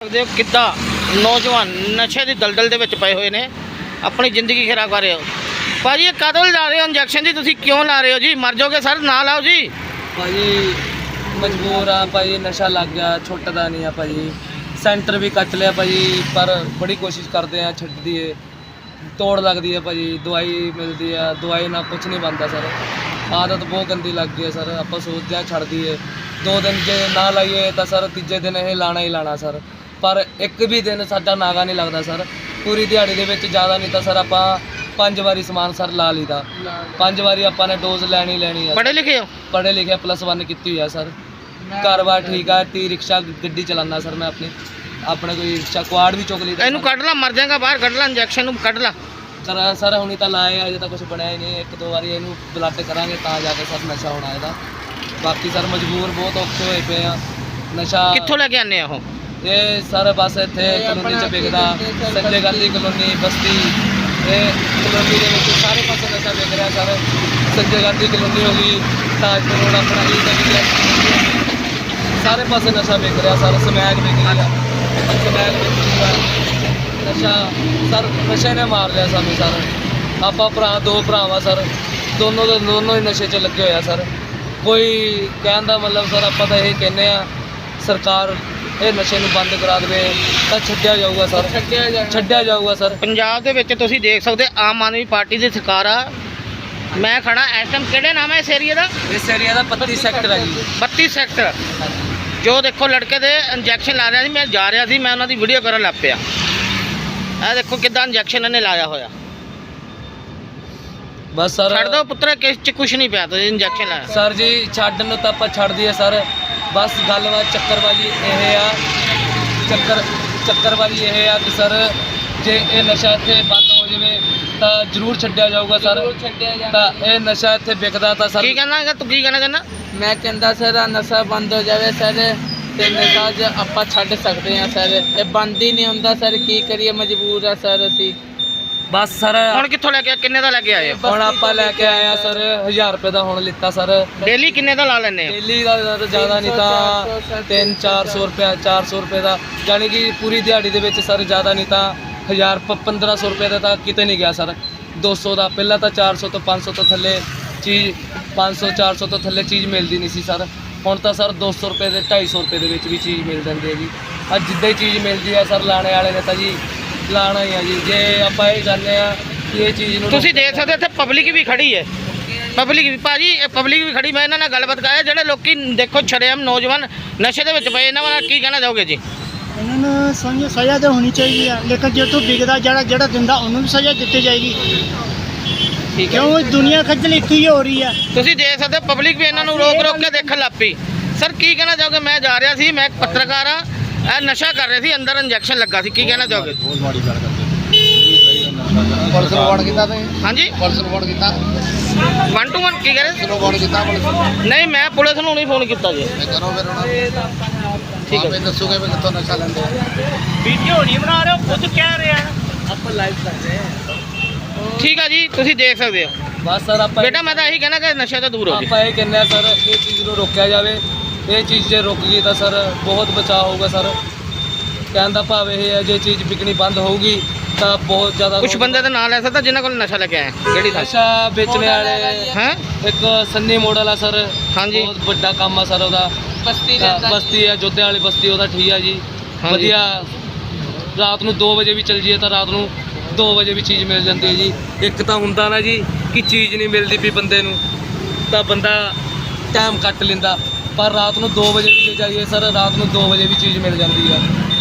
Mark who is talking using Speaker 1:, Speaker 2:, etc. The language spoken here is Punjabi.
Speaker 1: ਸਕਦੇ ਹੋ ਕਿੱਦਾਂ ਨੌਜਵਾਨ ਨਸ਼ੇ ਦੀ ਦਲਦਲ ਦੇ ਵਿੱਚ ਪਏ ਹੋਏ ਨੇ, ਆਪਣੀ ਜ਼ਿੰਦਗੀ ਖਰਾਬ ਕਰ ਰਹੇ ਹੋ। ਭਾਜੀ ਇਹ ਕਦੋਂ ਲਾ ਰਹੇ ਹੋ ਇੰਜੈਕਸ਼ਨ ਜੀ, ਤੁਸੀਂ ਕਿਉਂ ਲਾ ਰਹੇ ਹੋ ਜੀ? ਮਰ ਜਾਓਗੇ ਸਰ, ਨਾ ਲਾਓ ਜੀ।
Speaker 2: ਭਾਜੀ ਮਜਬੂਰ ਆ ਭਾਜੀ, ਨਸ਼ਾ ਲੱਗ ਗਿਆ, ਛੁੱਟਦਾ ਨਹੀਂ ਆ ਭਾਜੀ। ਸੈਂਟਰ ਵੀ ਕੱਟ ਲਿਆ ਭਾਜੀ, ਪਰ ਬੜੀ ਕੋਸ਼ਿਸ਼ ਕਰਦੇ ਆ ਛੱਡ ਦੀਏ, ਤੋੜ ਲੱਗਦੀ ਹੈ ਭਾਜੀ। ਦਵਾਈ ਮਿਲਦੀ ਆ, ਦਵਾਈ ਨਾਲ ਕੁਝ ਨਹੀਂ ਬਣਦਾ ਸਰ। ਆਦਤ ਬਹੁਤ ਗੰਦੀ ਲੱਗ ਗਈ ਹੈ ਸਰ। ਆਪਾਂ ਸੋਚਦੇ ਹਾਂ ਛੱਡ ਦਈਏ, 2 ਦਿਨ ਜੇ ਨਾ ਲਾਈਏ ਤਾਂ ਸਰ ਤੀਜੇ ਦਿਨ ਇਹ ਲਾਣਾ ਹੀ ਲਾਣਾ ਸਰ। ਪਰ ਇੱਕ ਵੀ ਦਿਨ ਸਾਡਾ ਨਾਗਾ ਨਹੀਂ ਲੱਗਦਾ ਸਰ। ਪੂਰੀ ਦਿਹਾੜੀ ਦੇ ਵਿੱਚ ਜ਼ਿਆਦਾ ਨਹੀਂ ਤਾਂ ਸਰ ਆਪਾਂ 5 ਵਾਰੀ ਸਮਾਨ ਸਰ ਲਾ ਲਈਦਾ। 5 ਵਾਰੀ ਆਪਾਂ ਨੇ ਡੋਜ਼ ਲੈਣੀ ਆ।
Speaker 1: ਪੜ੍ਹੇ ਲਿਖੇ ਹੋ?
Speaker 2: ਪੜ੍ਹੇ ਲਿਖੇ +1 ਕੀਤੀ ਹੋਈ ਆ ਸਰ। ਘਰ-ਬਾਰ ਠੀਕ ਆ, ਟੀ ਰਿਕਸ਼ਾ ਗੱਡੀ ਚਲਾਉਂਦਾ ਸਰ ਮੈਂ ਆਪਣੇ ਕੋਈ ਰਿਕਸ਼ਾ ਕੁਆੜ ਵੀ ਚੁੱਕ ਲਈਦਾ।
Speaker 1: ਇਹਨੂੰ ਕੱਢ ਲਾ, ਮਰ ਜਾਏਗਾ ਬਾਹਰ, ਕੱਢ ਲਾ ਇੰਜੈਕਸ਼ਨ ਨੂੰ, ਕੱਢ ਲਾ
Speaker 2: ਸਰ। ਹੁਣੀ ਤਾਂ ਲਾਏ, ਅਜੇ ਤਾਂ ਕੁਝ ਬਣਿਆ ਹੀ ਨਹੀਂ। 1-2 ਵਾਰੀ ਇਹਨੂੰ ਬਲੱਡ ਕਰਾਂਗੇ ਤਾਂ ਜਾ ਕੇ ਸਰ ਨਸ਼ਾ ਹੋਣਾ ਇਹਦਾ। ਬਾਕੀ ਸਰ ਮਜਬੂਰ ਬਹੁਤ ਔਖੇ ਹੋਏ ਪਏ ਆ। ਨਸ਼ਾ
Speaker 1: ਕਿੱਥੋਂ ਲੈ ਕੇ ਆਨੇ ਆ ਉਹ?
Speaker 2: ਇਹ ਸਰ ਬਸ ਇੱਥੇ ਕਲੋਨੀ 'ਚ ਵਿਕਦਾ, ਸੰਜੇ ਗਾਂਧੀ ਕਲੋਨੀ ਬਸਤੀ, ਇਹ ਕਲੋਨੀ ਦੇ ਵਿੱਚ ਸਾਰੇ ਪਾਸੇ ਨਸ਼ਾ ਵਿਕ ਰਿਹਾ ਸਰ। ਸੰਜੇ ਗਾਂਧੀ ਕਲੋਨੀ ਹੋ ਗਈ, ਤਾਜਪੁਰ ਰੋਡ ਆਪਣਾ ਸਾਰੇ ਪਾਸੇ ਨਸ਼ਾ ਵਿਕ ਰਿਹਾ ਸਰ। ਸਮੈਕ ਵਿਕ ਰਹੀ ਆ, ਸਮੈਕ ਵਿਕ ਰਹੀ ਆ। ਨਸ਼ਾ ਸਰ, ਨਸ਼ੇ ਨੇ ਮਾਰ ਲਿਆ ਸਾਨੂੰ ਸਰ। ਆਪਾਂ ਦੋ ਭਰਾ ਵਾ ਸਰ, ਦੋਨੋਂ ਹੀ ਨਸ਼ੇ 'ਚ ਲੱਗੇ ਹੋਏ ਆ ਸਰ। ਕੋਈ ਕਹਿਣ ਦਾ ਮਤਲਬ ਸਰ, ਆਪਾਂ ਤਾਂ ਇਹ ਕਹਿੰਦੇ ਆ ਸਰਕਾਰ ਇਹ ਨਸ਼ੇ ਨੂੰ ਬੰਦ ਕਰਾ ਦੇਵੇ ਤਾਂ ਛੱਡਿਆ ਜਾਊਗਾ ਸਰ। ਛੱਡਿਆ ਜਾਊਗਾ ਸਰ।
Speaker 1: ਪੰਜਾਬ ਦੇ ਵਿੱਚ ਤੁਸੀਂ ਦੇਖ ਸਕਦੇ ਆਮ ਆਦਮੀ ਪਾਰਟੀ ਦੀ ਸਰਕਾਰ ਆ। ਮੈਂ ਖੜਾ ਇਸ ਟਾਈਮ, ਕਿਹੜੇ ਨਾਮ ਹੈ ਇਸ ਏਰੀਆ ਦਾ?
Speaker 2: ਇਸ ਏਰੀਆ ਦਾ 32 ਸੈਕਟਰ ਹੈ ਜੀ।
Speaker 1: 32 ਸੈਕਟਰ। ਜੋ ਦੇਖੋ ਲੜਕੇ ਦੇ ਇੰਜੈਕਸ਼ਨ ਲਾ ਰਿਹਾ ਸੀ, ਮੈਂ ਜਾ ਰਿਹਾ ਸੀ, ਮੈਂ ਉਹਨਾਂ ਦੀ ਵੀਡੀਓ ਕਰਨ ਲੱਗ ਪਿਆ। ਇਹ ਦੇਖੋ ਕਿੱਦਾਂ ਇੰਜੈਕਸ਼ਨ ਇਹਨੇ ਲਾਇਆ ਹੋਇਆ।
Speaker 2: ਬਸ ਸਰ
Speaker 1: ਛੱਡ ਦਿਓ ਪੁੱਤਰ, ਕਿਸ 'ਚ ਕੁਛ ਨਹੀਂ ਪਿਆ, ਤੁਸੀਂ ਇੰਜੈਕਸ਼ਨ ਲਾਇਆ
Speaker 2: ਸਰ ਜੀ। ਛੱਡਣ ਨੂੰ ਤਾਂ ਆਪਾਂ ਛੱਡ ਦਈਏ ਸਰ। ਬਸ ਗੱਲਬਾਤ ਚੱਕਰਬਾਜੀ ਇਹ ਆ, ਚੱਕਰਬਾਜੀ ਇਹ ਆ ਕਿ ਸਰ ਜੇ ਇਹ ਨਸ਼ਾ ਇੱਥੇ ਬੰਦ ਹੋ ਜਾਵੇ ਤਾਂ ਜ਼ਰੂਰ ਛੱਡਿਆ ਜਾਊਗਾ ਸਰ। ਤਾਂ ਇਹ ਨਸ਼ਾ ਇੱਥੇ ਵਿਕਦਾ ਤਾਂ ਸਰ।
Speaker 1: ਕੀ ਕਹਿਣਾ ਹੈਗਾ ਤੂੰ? ਕੀ ਕਹਿਣਾ ਚਾਹੁੰਦਾ?
Speaker 3: ਮੈਂ ਕਹਿੰਦਾ ਸਰ ਨਸ਼ਾ ਬੰਦ ਹੋ ਜਾਵੇ ਸਰ, ਤੇ ਨਸ਼ਾ ਜ ਆਪਾਂ ਛੱਡ ਸਕਦੇ ਹਾਂ ਸਰ। ਇਹ ਬੰਦ ਹੀ ਨਹੀਂ ਹੁੰਦਾ ਸਰ, ਕੀ ਕਰੀਏ, ਮਜਬੂਰ ਆ ਸਰ ਅਸੀਂ।
Speaker 2: ਬਸ ਸਰ
Speaker 1: ਹੁਣ ਕਿੱਥੋਂ ਲੈ ਕੇ, ਕਿੰਨੇ ਦਾ ਲੈ ਕੇ ਆਏ ਹੋ?
Speaker 2: ਹੁਣ ਆਪਾਂ ਲੈ ਕੇ ਆਏ ਆ ਸਰ 1000 ਰੁਪਏ ਦਾ ਹੁਣ ਲਿੱਤਾ ਸਰ।
Speaker 1: ਡੇਲੀ ਕਿੰਨੇ ਦਾ ਲਾ ਲੈਂਦੇ ਹੋ?
Speaker 2: ਡੇਲੀ ਦਾ ਜ਼ਿਆਦਾ ਨਹੀਂ ਤਾਂ 300-400 ਰੁਪਏ, 400 ਰੁਪਏ ਦਾ, ਯਾਨੀ ਕਿ ਪੂਰੀ ਦਿਹਾੜੀ ਦੇ ਵਿੱਚ ਸਰ ਜ਼ਿਆਦਾ ਨਹੀਂ ਤਾਂ 1000-1500 ਰੁਪਏ ਦਾ ਤਾਂ ਕਿਤੇ ਨਹੀਂ ਗਿਆ ਸਰ। 200 ਦਾ ਪਹਿਲਾਂ ਤਾਂ 400 ਤੋਂ 500 ਤੋਂ ਥੱਲੇ ਚੀਜ਼, 500-400 ਤੋਂ ਥੱਲੇ ਚੀਜ਼ ਮਿਲਦੀ ਨਹੀਂ ਸੀ ਸਰ। ਹੁਣ ਤਾਂ ਸਰ 200 ਰੁਪਏ ਦੇ 250 ਰੁਪਏ ਦੇ ਵਿੱਚ ਵੀ ਚੀਜ਼ ਮਿਲ ਜਾਂਦੀ ਹੈ ਜੀ। ਅੱਜ ਜਿੱਦਾਂ ਹੀ ਚੀਜ਼ ਮਿਲਦੀ ਹੈ ਸਰ, ਲਾਣੇ ਵਾਲੇ ਨੇ ਤਾਂ ਜੀ ਲਾਣਾ ਹੀ ਆ ਜੀ। ਜੇ ਆਪਾਂ ਇਹ ਚਾਹੁੰਦੇ ਆ ਕਿ ਇਹ ਚੀਜ਼ ਨੂੰ
Speaker 1: ਤੁਸੀਂ ਦੇਖ ਸਕਦੇ ਇੱਥੇ ਪਬਲਿਕ ਵੀ ਖੜੀ ਹੈ, ਪਬਲਿਕ ਵੀ ਭਾਜੀ, ਇਹ ਪਬਲਿਕ ਵੀ ਖੜੀ। ਮੈਂ ਇਹਨਾਂ ਨਾਲ ਗੱਲਬਾਤ ਕਰਾਇਆ, ਜਿਹੜੇ ਲੋਕੀ ਦੇਖੋ ਸ਼ਰੇਆਮ ਨੌਜਵਾਨ ਨਸ਼ੇ ਦੇ ਵਿੱਚ ਪਏ, ਇਹਨਾਂ ਬਾਰੇ ਕੀ ਕਹਿਣਾ ਚਾਹੋਗੇ ਜੀ?
Speaker 4: ਇਹਨਾਂ ਨੂੰ ਸਜ਼ਾ ਤਾਂ ਹੋਣੀ ਚਾਹੀਦੀ ਆ, ਲੇਕਿਨ ਜੇ ਤੋਂ ਵਿਕਦਾ ਜਿਹੜਾ ਦਿੰਦਾ ਉਹਨੂੰ ਵੀ ਸਜ਼ਾ ਦਿੱਤੀ ਜਾਏਗੀ।
Speaker 1: ਠੀਕ ਹੈ,
Speaker 4: ਕਿਉਂ ਦੁਨੀਆ ਖੱਜਲ ਇੱਥੇ ਹੀ ਹੋ ਰਹੀ ਆ।
Speaker 1: ਤੁਸੀਂ ਦੇਖ ਸਕਦੇ ਪਬਲਿਕ ਵੀ ਇਹਨਾਂ ਨੂੰ ਰੋਕ ਕੇ ਦੇਖਣ ਲੱਗ ਪਈ। ਸਰ ਕੀ ਕਹਿਣਾ ਚਾਹੋਗੇ? ਮੈਂ ਜਾ ਰਿਹਾ ਸੀ, ਮੈਂ ਇੱਕ ਪੱਤਰਕਾਰ ਆ, ਇਹ ਨਸ਼ਾ ਕਰ ਰਹੇ ਸੀ, ਅੰਦਰ ਇੰਜੈਕਸ਼ਨ ਲੱਗਾ ਸੀ, ਕੀ ਕਹਿਣਾ ਚਾਹੋਗੇ?
Speaker 5: ਬਹੁਤ ਮਾੜੀ ਗੱਲ ਕਰਦੇ ਪੁਲਿਸ ਨੂੰ ਫੋਨ ਕੀਤਾ ਤੁਸੀਂ?
Speaker 1: ਹਾਂਜੀ,
Speaker 5: ਪੁਲਿਸ ਨੂੰ ਫੋਨ ਕੀਤਾ?
Speaker 1: 1 to 1 ਕੀ ਕਹ ਰਹੇ?
Speaker 5: ਕਿਹਨੂੰ ਫੋਨ ਕੀਤਾ ਪੁਲਿਸ ਨੂੰ?
Speaker 1: ਨਹੀਂ, ਮੈਂ ਪੁਲਿਸ ਨੂੰ ਨਹੀਂ ਫੋਨ ਕੀਤਾ ਜੀ।
Speaker 5: ਕਰੋ ਫਿਰ ਉਹਨਾਂ
Speaker 1: ਠੀਕ ਹੈ,
Speaker 5: ਨੂੰ ਦੱਸੋਗੇ ਵੀ ਕਿੱਥੋਂ ਨਸ਼ਾ ਲੈਂਦੇ ਆ।
Speaker 1: ਵੀਡੀਓ ਨਹੀਂ ਬਣਾ ਰਹੇ ਹੋ, ਖੁਦ ਕਹਿ ਰਹੇ ਆ,
Speaker 2: ਆਪਾਂ ਲਾਈਵ ਕਰਦੇ ਆ।
Speaker 1: ਠੀਕ ਆ ਜੀ, ਤੁਸੀਂ ਦੇਖ ਸਕਦੇ ਹੋ।
Speaker 2: ਬਸ ਸਰ ਆਪਾਂ
Speaker 1: ਬੇਟਾ ਮੈਂ ਤਾਂ ਇਹੀ ਕਹਿਣਾ ਕਿ ਨਸ਼ੇ ਤੋਂ ਦੂਰ ਹੋ ਜੀ।
Speaker 2: ਆਪਾਂ ਇਹ ਕਹਿੰਦੇ ਆ ਸਰ, ਇਹ ਚੀਜ਼ ਨੂੰ ਰੋਕਿਆ ਜਾਵੇ। ਇਹ ਚੀਜ਼ ਜੇ ਰੁਕ ਗਈ ਤਾਂ ਸਰ ਬਹੁਤ ਬਚਾਅ ਹੋਊਗਾ ਸਰ। ਕਹਿਣ ਦਾ ਭਾਵ ਇਹ ਹੈ, ਜੇ ਚੀਜ਼ ਵਿਕਣੀ ਬੰਦ ਹੋਊਗੀ ਤਾਂ ਬਹੁਤ ਜ਼ਿਆਦਾ
Speaker 1: ਕੁਝ ਬੰਦੇ ਦਾ ਨਾਂ ਲੈ ਸਕਦਾ ਜਿਨ੍ਹਾਂ ਕੋਲ ਨਸ਼ਾ ਲੈ ਕੇ ਆਏ, ਕਿਹੜੀ ਥਾਂ?
Speaker 2: ਨਸ਼ਾ ਵੇਚਣੇ ਵਾਲੇ
Speaker 1: ਹੈ
Speaker 2: ਇੱਕ ਸੰਨੀ ਮੋਡਲ ਆ ਸਰ।
Speaker 1: ਹਾਂਜੀ।
Speaker 2: ਬਹੁਤ ਵੱਡਾ ਕੰਮ ਆ ਸਰ ਉਹਦਾ। ਬਸਤੀ ਹੈ ਜੋਧੇ ਵਾਲੀ ਬਸਤੀ, ਉਹਦਾ ਠੀਕ ਆ ਜੀ,
Speaker 1: ਹਾਂਜੀ।
Speaker 2: ਵਧੀਆ। ਰਾਤ ਨੂੰ 2 ਵਜੇ ਵੀ ਚੱਲ ਜਾਈਏ ਤਾਂ ਰਾਤ ਨੂੰ 2 ਵਜੇ ਵੀ ਚੀਜ਼ ਮਿਲ ਜਾਂਦੀ ਹੈ ਜੀ। ਇੱਕ ਤਾਂ ਹੁੰਦਾ ਨਾ ਜੀ ਕਿ ਚੀਜ਼ ਨਹੀਂ ਮਿਲਦੀ ਵੀ ਬੰਦੇ ਨੂੰ, ਤਾਂ ਬੰਦਾ ਟਾਈਮ ਕੱਟ ਲੈਂਦਾ। ਪਰ ਰਾਤ ਨੂੰ 2 ਵਜੇ ਵੀ ਜੇ ਜਾਈਏ ਸਰ, ਰਾਤ ਨੂੰ 2 ਵਜੇ ਵੀ ਚੀਜ਼ ਮਿਲ ਜਾਂਦੀ ਆ।